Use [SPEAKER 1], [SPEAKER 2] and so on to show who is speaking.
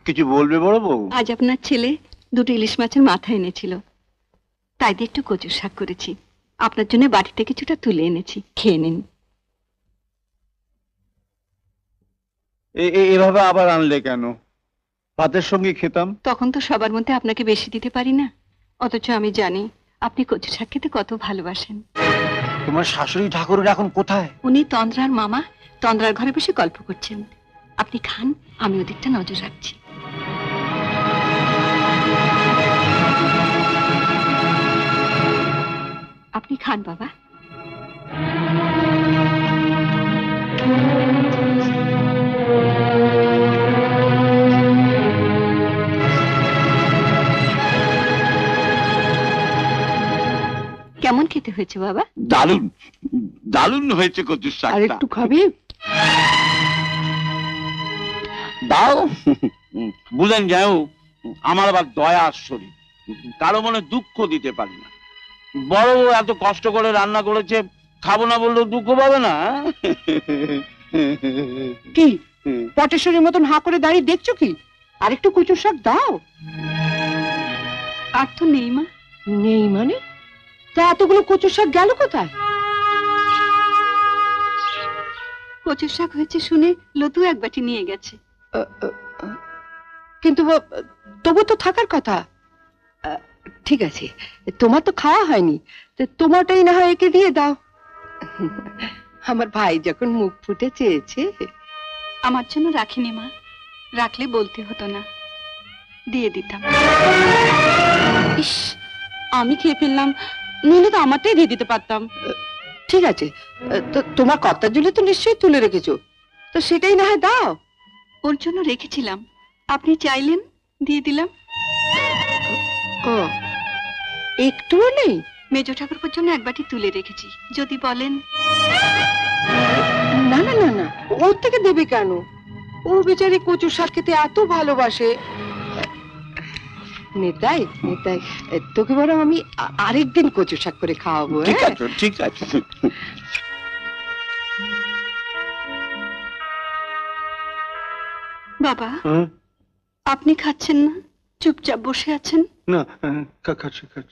[SPEAKER 1] কিছু বলবে বড় বউ?
[SPEAKER 2] আজ আপনার ছেলে দুটো ইলিশ মাছের মাথা এনেছিল, তাই দিয়ে একটু কচুর শাক করেছি। আপনার জন্য বাড়িতে কিছুটা তুলে এনেছি, খেয়ে নিন।
[SPEAKER 1] এভাবে আবার আনলে কেন? ভাতের সঙ্গে খেতাম।
[SPEAKER 2] তখন তো সবার মধ্যে আপনাকে বেশি দিতে পারি না, অথচ আমি জানি আপনি কচু শাক খেতে কত ভালোবাসেন।
[SPEAKER 1] তোমার শাশুড়ি ঠাকুরের এখন কোথায়?
[SPEAKER 2] উনি তন্দ্রার মামা তন্দ্রার ঘরে বসে গল্প করছেন। আপনি খান, আমি ওদিকটা নজর রাখছি। আপনি খান বাবা। কেমন খেতে হয়েছে বাবা?
[SPEAKER 1] দারুণ, দারুণ হয়েছে কচুর শাক।
[SPEAKER 2] আর একটু খাবি?
[SPEAKER 1] দাও। বুঝেন যাও, আমার আবার দয়া শরীর, কারো মনে দুঃখ দিতে পারি না। বড় বউ এত কষ্ট করে রান্না করেছে, খাবো না বললেও দুঃখ পাবে না।
[SPEAKER 3] কি পটেশ্বরীর মতন হাঁ করে দাঁড়িয়ে দেখছো কি? আর একটু কচুর শাক দাও।
[SPEAKER 2] আর তো নেই মা।
[SPEAKER 3] নেই মানে? তা এতগুলো কচুর শাক গেল কোথায়?
[SPEAKER 2] কচুর শাক হয়েছে শুনে লতু এক বাটি নিয়ে গেছে।
[SPEAKER 3] কিন্তু তবু তো থাকার কথা। ঠিক আছে, তোমার তো খাওয়া হয়নি, তোমারটাই না হয় একে দিয়ে দাও। আমার ভাই যখন মুখ ফুটে চেয়েছে।
[SPEAKER 2] আমার জন্য রাখিনি মা, রাখলে বলতে হতো না, দিয়ে দিতাম।
[SPEAKER 3] ইস, আমি খেয়ে ফেললাম, নইলে তো আমারটাই দিয়ে দিতে পারতাম। ঠিক আছে, তো তোমার কর্তার জন্য তো নিশ্চয়ই তুলে রেখেছো, তো সেটাই না হয় দাও।
[SPEAKER 2] ওর জন্য রেখেছিলাম, আপনি চাইলেন, দিয়ে দিলাম।
[SPEAKER 3] ও, একটুও নেই?
[SPEAKER 2] মেজ ঠাকুরপুর জন্য এক বাটি তুলে রেখেছি, যদি বলেন।
[SPEAKER 3] না না না না, ওর থেকে দেবে কেন? ও বেচারি কচুর শাক খেতে এত ভালোবাসে। নেতাই নেতাই, তোকে বরং আমি আরেকদিন কচুর শাক করে খাওয়াবো।
[SPEAKER 1] ঠিক আছে, ঠিক আছে।
[SPEAKER 2] বাবা, আপনি খাচ্ছেন না, চুপচাপ বসে আছেন।
[SPEAKER 1] না, খাচ্ছি খাচ্ছি।